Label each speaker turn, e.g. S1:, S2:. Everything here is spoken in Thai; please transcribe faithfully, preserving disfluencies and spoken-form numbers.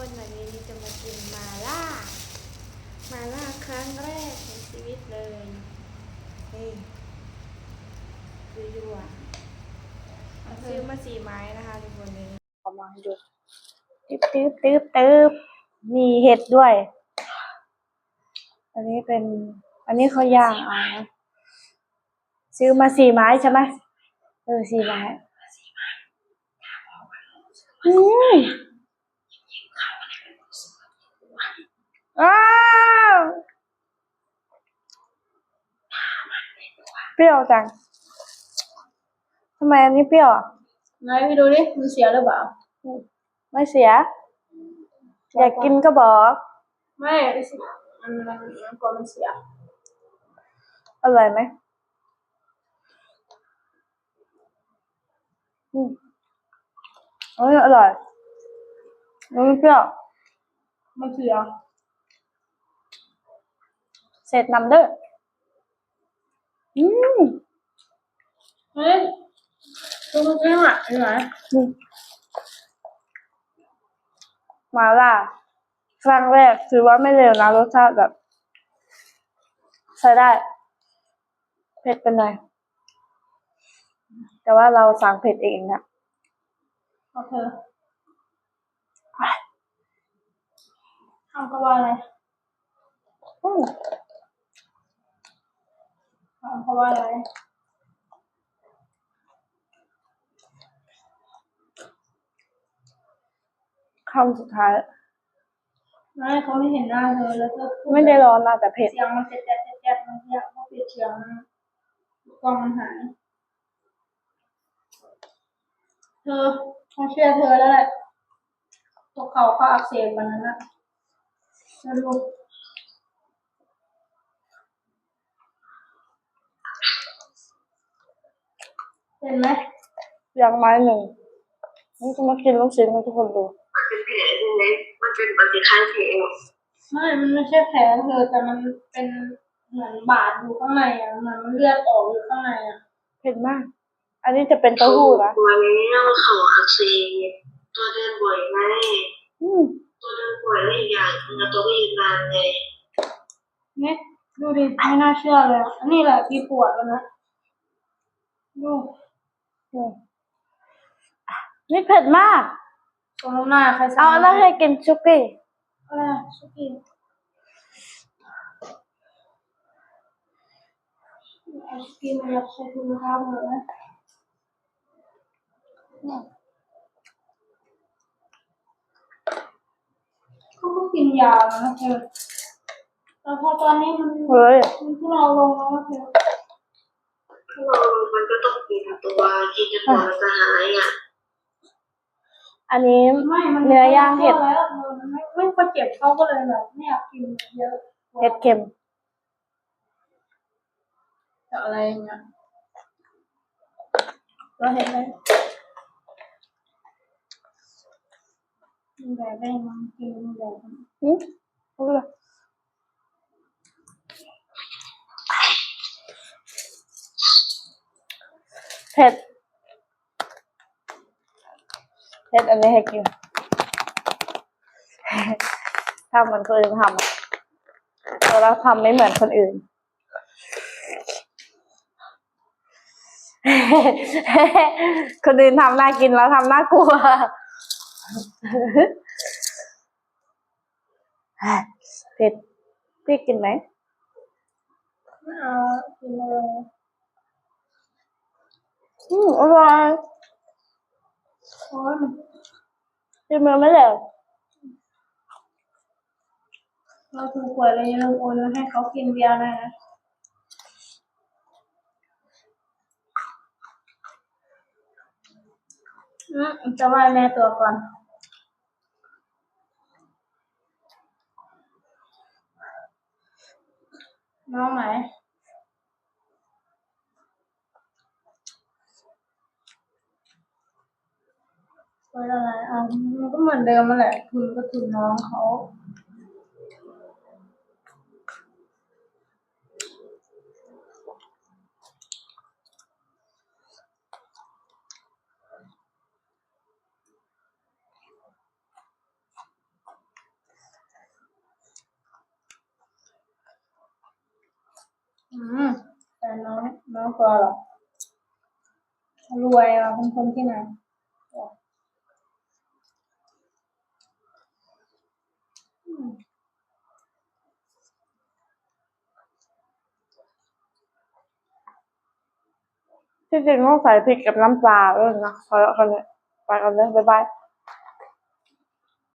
S1: คนวันนี้จะมากินมาล่ามาล่าครั้งแรกในชีวิตเลยนี่ดูดูอ่ะซื้อมาสี่ไม้นะคะทุกคนนี้เอามาให้ดูตึ๊บตึ๊บตึ๊บตึ๊บมีเห็ดด้วยอันนี้เป็นอันนี้เขาย่างเอานะซื้อมาสี่ไม้ใช่ไหมเออสี่ไม้อืมอ้าวเปรี้ยวจังทำไมอันนี้เปรี้ยวอ่ะ
S2: ไหนไปดูดิมันเสียหรือเปล่า
S1: ไม่เสียอยากกินก็บอก
S2: ไม่มันมันมันกลัวมันเสีย
S1: อร่อยไหมอืมเอ้ยอร่อยมันเปรี้ยว
S2: มันเสีย
S1: เสร็จนำเด้ออืม
S2: เฮ้ยดูมันเป็นอ่ะเห็นไหม
S1: มาล่าครั้งแรกถือว่าไม่เลวนะรสชาติแบบใช้ได้เผ็ดเป็นหน่อยแต่ว่าเราสั่งเผ็ดเองนะ
S2: โอเคทำก็ว่าอะไร
S1: อืม
S2: ทำเพราะว่าอะไร
S1: คำสุดท้าย
S2: ไม่เขาไม่เห็นหน้าเธอแล้วก็
S1: ไม่ได้ร้อนนะแต่เผ็ด
S2: เสียงมันแจ๊ะแจ๊ะแจ๊ะมันเยอะเขาปิดเสียงกล้องมันหายเธอเขาเชื่อเธอแล้วแหละพวกเขาเขาอักเสบวันนั้นอะมาดูเห็นไหม
S1: อย่างไม้หนึ่งนี่จะมากินลูกชิ้นให้ทุกคนดู
S3: มันเป็นแผลใช่ไหมมันเป็นมันเป็นข้างแผล
S2: ไม่ มันไม่ใช่แผลเธอแต่มันเป็นเหมือนบาดอยู่ข้างในอ่ะเหมือนมันเลือดออกอยู่ข้างในอ่ะ
S1: เผ็ดมากอันนี้จะเป็นเต้าหู้นะ
S3: ตัวแล้วเขาอักเสบตัวเดินบ่อยไหม
S1: อืม
S3: ตัวเดินบ่อยแล้วอีกอย่างเนื้อตัวก็ยืนนานไง
S2: เนี่ยดูดิไม่น่าเชื่อเลยอันนี้แหละที่ปวดแล้วนะดู
S1: อืมนี่เผ็ดมาก
S2: ตรงหน้าใครสั่
S1: เอา
S2: ง
S1: แล้วให้กินชุกี้
S2: อะไรสุกี้ไอศกรีมมันอยากใช้ถุงเท้าหมดเลยเขาก็กินยานะเธอแต่พอตอนนี้มัน
S1: เฮ้ย
S2: มันทุเลาลงแล้วเธอ
S3: ถ้าเรามันก็ต้องกินตัวกินจนกว่ามันจะหายอ่ะ
S1: อันนี้
S2: ไม่มัน
S1: เนื้อย่างเห็ด
S2: แล้วเธอมันไม่ไม่พอเจ็บเขาก็เลยแบบไม่อยากกินเยอะ
S1: เห็ดเค็ม
S2: จะอะไรเงี้ยเราเห็นไหมมันแบบได้มันกินแบบ
S1: อืมรู้เลยเผ็ดเผ็ดอันนี้ให้กินทำเหมือนคนอื่นทำอะแต่เราทำไม่เหมือนคนอื่นคนอื่นทำน่ากินแล้วทำน่ากลัวเผ็ดพี่กินไหม
S2: ไม่เอากินเลย
S1: อืมอร่อย
S2: โอ้ย
S1: กินมันไม่เหลว
S2: เราถูกหวยเลยเราโอนให้เขากินเบียร์ได้นะอืมจะไหว้แม่ตัวก่อนน้องไหนไว้อะไรอ่ะมันก็เหมือนเดิมมาแหละทุนก็ทุนน้องเขาน้องตัวเหรอรวยอ่ะเป็นคนที่ไหนอืม
S1: ที่จริงต้องใส่พริกกับน้ำปลาด้วยนะพอแล้วคนนี้ไปกันเลยบ๊ายบาย